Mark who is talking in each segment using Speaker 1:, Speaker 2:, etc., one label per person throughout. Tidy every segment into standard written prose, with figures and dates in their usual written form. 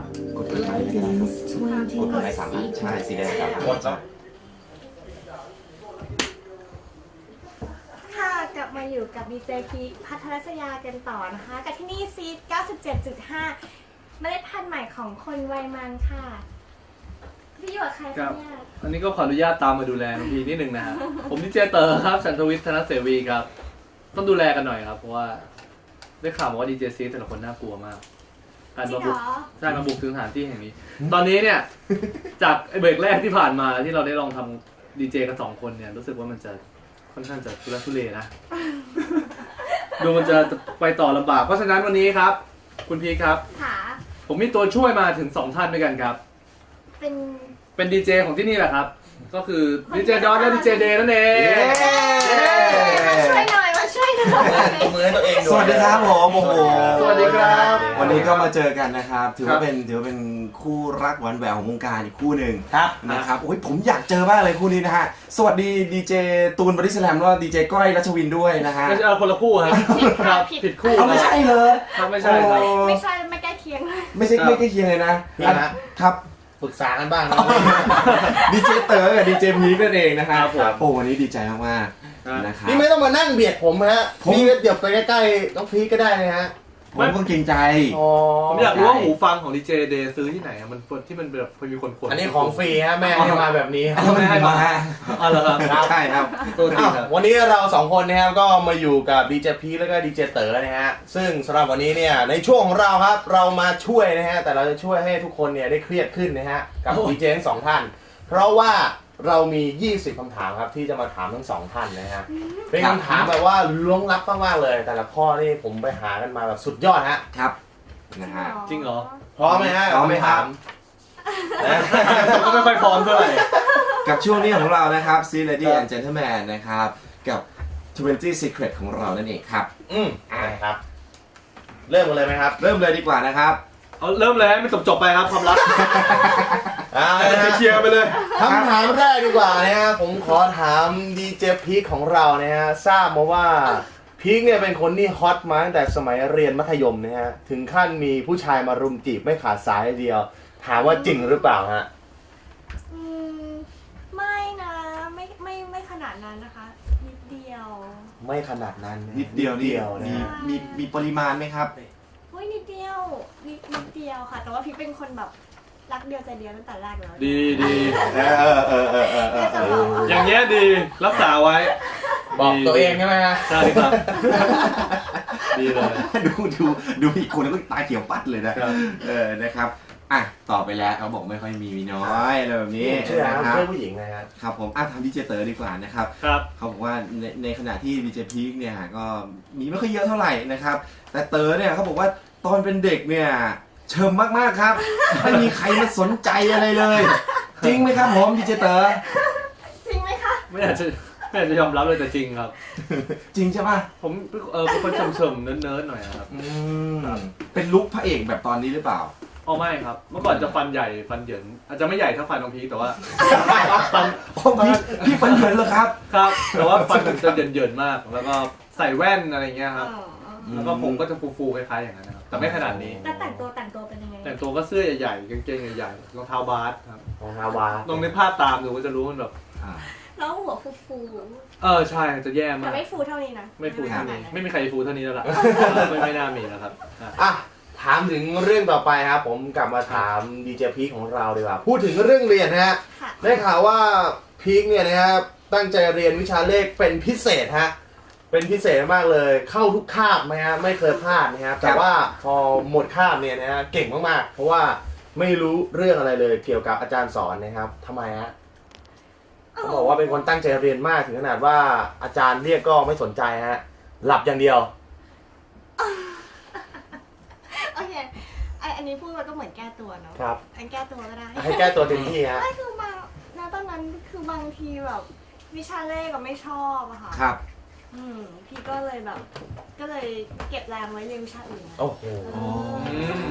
Speaker 1: กดกดไลค์เลยก็ได้ครับกดกดไลค์3 อันใช่สีแดงครับกดจ้ะ
Speaker 2: ค่ะกลับมาอยู่กับดีเจพีพัทรศยากันต่อนะคะกับที่นี่ซีด 97.5 เมล็ดพันธุ์ใหม่ของคนวัยมันค่ะพี่อยู่กับใครคะเนี่ย
Speaker 3: อันนี้ก็ขออนุญาตตามมาดูแลน้องพีนิดนึงนะฮะ ผมดีเจเตอร์ครับฉันทวิทย์ธนเสวีครับต้องดูแลกันหน่อยครับเพราะว่าได้ข่าวมาว่าดีเจซีแต่ละคนน่ากลัวมากการมาบุกใช่มาบุกถึงสถานที่แห่งนี้ ตอนนี้เนี่ยจากเบรกแรกที่ผ่านมาที่เราได้ลองทำดีเจกัน2 คนเนี่ยรู้สึกว่ามันจะค่อนข้างจะทุรทุเลนะ ดูมันจะไปต่อลำบากเพราะฉะนั้นวันนี้ครับคุณพีครับ
Speaker 2: ค่ะ
Speaker 3: ผมมีตัวช่วยมาถึง2 ท่านด้วยกันครับเป็นดีเจของที่นี่แหละครับก็คือดีเจดอนและดีเจเดย์นั่นเอง
Speaker 2: มาช่วยหน่อยมาช่วยหน่อย
Speaker 1: มือให้ตัวเองสวัสดีครับผมโอ้โห
Speaker 3: สวัสดีครับ
Speaker 1: วันนี้ก็มาเจอกันนะครับถือว่าเป็นคู่รักหวานแหววของวงการอีกคู่หนึ่งครับนะครับโอ้ยผมอยากเจอมากเลยคู่นี้นะฮะสวัสดีดีเจตูนบอดี้สแลมแล้วดีเจก้อยรัชวินด้วยนะฮะ
Speaker 3: ไม่ใช่คนละคู่ครับผิดคู่
Speaker 1: ไม่ใช่เลย
Speaker 3: ครับไม่ใช่ครับ
Speaker 2: ไม่ใช่ไม่ใกล้เคียงเลย
Speaker 1: ไม่ใกล้เคียงเลยนะครับปรึกษากันบ้างนะดีเจเต๋อกับดีเจพีนั่นเองนะครับโอ้วันนี้ดีใจมากๆนะครับ
Speaker 4: นี่ไม่ต้องมานั่งเบียดผมฮะนี่เดี๋ยวไปใกล้ๆน้องพีก็ได้นะฮะ
Speaker 1: ผมก็เกรงใจ
Speaker 3: ผมอยากรู้ว่าหูฟังของดีเจเดย์ซื้อที่ไหนมันที่มันแบบมีคน
Speaker 4: อันนี้ของฟรีฮะแม่ให้มาแบบนี้
Speaker 1: ไม่ให้มา
Speaker 3: อ๋อเหรอครับ
Speaker 1: ใช่ครับ
Speaker 4: วันนี้เรา2 คนนะครับก็มาอยู่กับดีเจพีแล้วก็ดีเจเต๋อนะฮะซึ่งสำหรับวันนี้เนี่ยในช่วงของเราครับเรามาช่วยนะฮะแต่เราจะช่วยให้ทุกคนเนี่ยได้เครียดขึ้นนะฮะกับดีเจทั้ง2 ท่านเพราะว่าเรามี20 คำถามครับที่จะมาถามทั้ง2 ท่านนะฮะเป็นคำถามแบบว่าล้วงลับมากๆเลยแต่ละข้อนี่ผมไปหากันมาแบบสุดยอดฮะ
Speaker 1: ครับนะฮะ
Speaker 3: จริงเหรอ
Speaker 4: พร้อมไหมฮะ
Speaker 1: พร้อมไหมครับ
Speaker 3: ก็ไม่ค่อยพร้อมเท่าไหร่
Speaker 1: กับช่วงนี้ของเรานะครับ See Lady and Gentleman นะครับกับ20 Secret ของเรานั่นเองครับ
Speaker 4: ครับเริ่มกันเลยไหมครับ
Speaker 1: เริ่มเลยดีกว่านะครับ
Speaker 3: เอาเริ่มเลยไม่จบไปครับความรักเคลียร์ไปเลย
Speaker 4: คำถามแรกดีกว่านะฮะผมขอถามดีเจพีคของเรานะฮะทราบมาว่าพีคเนี่ยเป็นคนที่ฮอตมาตั้งแต่สมัยเรียนมัธยมนะฮะถึงขั้นมีผู้ชายมารุมจีบไม่ขาดสายเดียวถามว่าจริงหรือเปล่าฮะ
Speaker 2: ไม่นะไม่ขนาดนั้นนะคะนิดเดียว
Speaker 4: ไม่ขนาดนั้น
Speaker 1: นิดเดียวมีปริมาณไหมครับ
Speaker 2: นิดเดียวค่ะแต่ว่าพี่เป็นคนแบบรักเดียวใจเดียวตั้งแต่แรกแล้ว
Speaker 3: ดี
Speaker 2: อ
Speaker 3: ย่างเงี้ยดีรักษาไว้
Speaker 4: บอกตัวเองใช่ไหมฮะ
Speaker 3: ใช่ครับดีเลย
Speaker 1: ดูอีกคนแล้วก็ตาเขียวปัดเลยนะนะครับต่อไปแล้วเขาบอกไม่ค่อยมีน้อยอะไรแบบนี้
Speaker 4: นะครับเพื่อผู้หญิงนะครับ
Speaker 1: ครับผมทำดีเจเตอร์ดีกว่านะครับเขาบอกว่าในขณะที่ดีเจพีคเนี่ยก็มีไม่ค่อยเยอะเท่าไหร่นะครับแต่เตอร์เนี่ยเขาบอกว่าตอนเป็นเด็กเนี่ยเชิมมากๆครับไม่มีใครมาสนใจอะไรเลยจริงไหมครับผมดีเจเตอร์
Speaker 2: จริงไหมคะ
Speaker 3: ไม่อยากจะยอมรับเลยแต่จริงครับ
Speaker 1: จริงใช่ป่ะ
Speaker 3: ผมเป็นคนเฉิมๆเนิร์ดๆหน่อยครับ
Speaker 1: เป็นลุคพระเอกแบบตอนนี้หรือเปล่า
Speaker 3: อ๋อไม่ครับเมื่อก่อนจะฟันใหญ่ฟันเหยินอาจจะไม่ใหญ่เท่าฟันของพีแต่ว่า
Speaker 1: ฟันพี่ฟันเหยินเหรอครับ
Speaker 3: ครับแต่ว่าฟันมันจะเหยินมากแล้วก็ใส่แว่นอะไรเงี้ยครับแล้วก็ผมก็จะฟูๆคล้ายๆอย่างนั้นนะครับแต่ไม่ขนาดนี้
Speaker 2: แล้วแต่งตัวเป็นยังไง
Speaker 3: แต่งตัวก็เสื้อใหญ่ๆกางเกงใหญ่ๆรองเท้าบาสครับ
Speaker 4: รองเท้าบาส
Speaker 3: ลองในภาพตามดูก็จะรู้มันแบบ
Speaker 2: แล้วหัวฟู
Speaker 3: ใช่จะแย่มาก
Speaker 2: แต่ไม่ฟูเท่านี้นะ
Speaker 3: ไม่ฟูเท่านี้ไม่มีใครฟูเท่านี้แล้วล่ะไม่น่ามีแล้วครับ
Speaker 4: ถามถึงเรื่องต่อไปครับผมกลับมาถามดีเจพีคของเราดีกว่าพูดถึงเรื่องเรียนนะฮะได้ข่าวว่าพีคเนี่ยนะครับตั้งใจเรียนวิชาเลขเป็นพิเศษฮะเป็นพิเศษมากเลยเข้าทุกคาบไหมฮะไม่เคยพลาดนะครับแต่ว่าพอหมดคาบเนี่ยนะฮะเก่งมากๆเพราะว่าไม่รู้เรื่องอะไรเลยเกี่ยวกับอาจารย์สอนนะครับทำไมฮะเขาบอกว่าเป็นคนตั้งใจเรียนมากถึงขนาดว่าอาจารย์เรียกก็ไม่สนใจฮะหลับอย่างเดียว
Speaker 2: โอเคอันนี้พูดมาก็เหมือนแก้ตัวเนาะ
Speaker 4: ครับ
Speaker 2: อันแก้ตัวก็ได้
Speaker 4: ให้แก้ตัวเต็มที่ฮะ
Speaker 2: ไม่คือมาตอนนั้นคือบางทีแบบวิชาเลขก็ไม่ชอบอะค่ะ
Speaker 1: ครับ
Speaker 2: พี่ก็เลยเก็บแรงไว้เรียนวิชาอื่น
Speaker 4: โอ้โห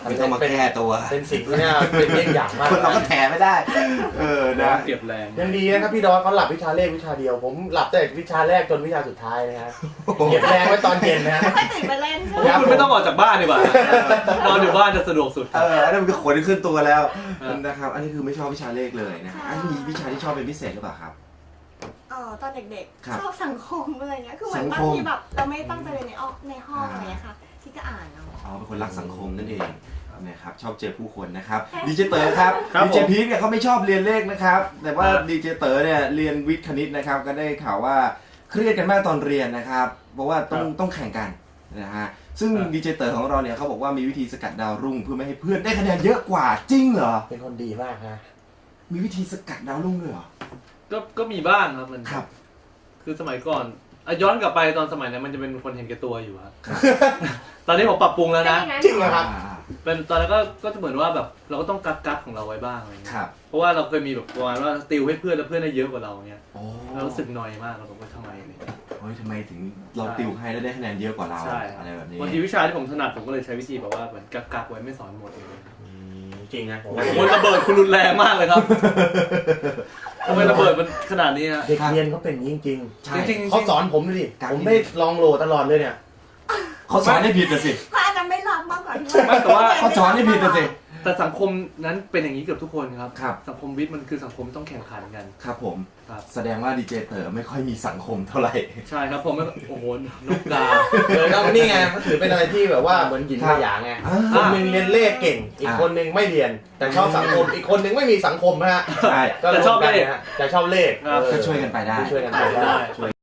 Speaker 1: ไม่ต้องมาแก้ตัว
Speaker 4: เป็นสิ่งที่เนี่ยเป็นเรื่องอย่างมาก
Speaker 1: คนเราก็แถไม่ได้ นะ
Speaker 3: เก็บแรง
Speaker 4: ยังดีนะครับพี่ดอนเขาหลับวิชาเลขวิชาเดียว ผมหลับแต่วิชาแรกจนวิชาสุดท้ายนะฮะเก็บแรงไว้ตอนเย็นนะฮะ
Speaker 2: ค่อยตื่นมาเล่นใช่
Speaker 3: ผม
Speaker 2: ไหม
Speaker 3: ว่าคุณไม่ต้องออกจากบ้านดีกว่านอนอยู่บ้านจะสะดวกสุด
Speaker 1: อันนั้นมันก็ขนขึ้นตัวแล้ว
Speaker 3: ครับ
Speaker 1: นะครับ อันนี้คือไม่ชอบวิชาเลขเลยนะอันนี้มีวิชาที่ชอบเป็นพิเศษหรือเปล่าครับ
Speaker 2: ตอนเด็ก
Speaker 1: ครับ
Speaker 2: ๆชอบสังคมอะไรเงี้ยคือเหมือน
Speaker 1: สัง
Speaker 2: บาง
Speaker 1: คม
Speaker 2: ทีแบบเราไม่ตั้งใจเรียนในห้องอะไรเงี้ยค่ะที่ก็อ่านเอา
Speaker 1: อ๋อเป็นคนรักสังคมนั่นเองนะครับชอบเจอผู้คนนะครับดีเจเต๋อครับ
Speaker 3: ครับ
Speaker 1: ดีเจ
Speaker 3: ผม
Speaker 1: พีคเนี่ยเขาไม่ชอบเรียนเลขนะครับแต่ว่า
Speaker 3: ครับ
Speaker 1: ดีเจเต๋อเนี่ยเรียนวิทย์คณิตนะครับก็ได้ข่าวว่าเครียดกันมากตอนเรียนนะครับเพราะว่าต้องแข่งกันนะฮะซึ่งดีเจเต๋อของเราเนี่ยเขาบอกว่ามีวิธีสกัดดาวรุ่งเพื่อไม่ให้เพื่อนได้คะแนนเยอะกว่าจริงเหรอ
Speaker 4: เป็นคนดีมากฮะ
Speaker 1: มีวิธีสกัดดาวรุ่งด้วยเหรอ
Speaker 3: ก็มีบ้างครับมัน
Speaker 1: ครับ
Speaker 3: คือสมัยก่อนย้อนกลับไปตอนสมัยนั้นมันจะเป็นคนเห็นแก่ตัวอยู่ครับ ตอนนี้ผมปรับปรุงแล้วนะ
Speaker 4: จริงเหรอครับ
Speaker 3: เป็นตอนนั้นก็จะเหมือนว่าแบบเราก็ต้องกักของเราไว้บ้างอะไรเงี้
Speaker 1: ครั
Speaker 3: ย
Speaker 1: บ
Speaker 3: เพราะว่าเราเคยมีแบบประมาณว่าติวให้เพื่อนแล้วเพื่อนได้เยอะกว่าเราเงี้ย
Speaker 1: โอ้
Speaker 3: เรารู้สึกนอยมากเราบอกว่าทำไมอะไรเงี้ย
Speaker 1: เฮ้ยทำไมถึงเราติวให้แล้วได้คะแนนเยอะกว่าเรา
Speaker 3: ใช่
Speaker 1: อะไรแบบนี้
Speaker 3: บางทีวิชาที่ผมถนัดผมก็เลยใช้วิธีแบบว่าเหมือนกักไว้ไม่สอนหมดเลย
Speaker 4: จริงนะผม
Speaker 3: มันระเบิดคุณรุนแรงมากเลยครับทำไมระเบิดมันขนาดนี้ฮะ
Speaker 4: เด็กเรียนเขาเป็นอย่างนี้จริง
Speaker 1: ใช่
Speaker 3: จริง
Speaker 4: ๆเขาสอนผมดิผมได้ลองโหลตลอดเลยเนี่ย
Speaker 1: เขาสอนให้ผิดนะสิ
Speaker 2: พระอาจารย์ไม่รับมากกว่าที่
Speaker 3: ไม่แต่ว่า
Speaker 1: เขาสอนให้ผิดนะสิ
Speaker 3: แต่สังคมนั้นเป็นอย่างนี้เกือบทุกคนครับ
Speaker 1: ครับ
Speaker 3: สังคมวิทย์มันคือสังคมต้องแข่งขันกัน
Speaker 1: ครับผม
Speaker 3: ครับ
Speaker 1: แสดงว่าดีเจเต๋อไม่ค่อยมีสังคมเท่าไหร่
Speaker 3: ใช่ครับผมไม่โอ้โหนกกา
Speaker 4: แล้วนี่ไงเขาถือเป็นอะไรที่แบบว่าเหมือนหยินกับหยางไง
Speaker 1: อ่า
Speaker 4: คนหนึ่งเรียนเลขเก่ง อีกคนหนึ่งไม่เรียน แต่ชอบสังคม อีกคนหนึ่งไม่มีสังคมฮะ
Speaker 1: ใช่
Speaker 4: ก็
Speaker 3: แต่ชอบเลข
Speaker 4: รวมกันนะฮะแต่ชอบเลข
Speaker 3: ครับ
Speaker 1: ก็ช่วยกันไปได้
Speaker 4: ช่วยกันไปได้
Speaker 3: ได้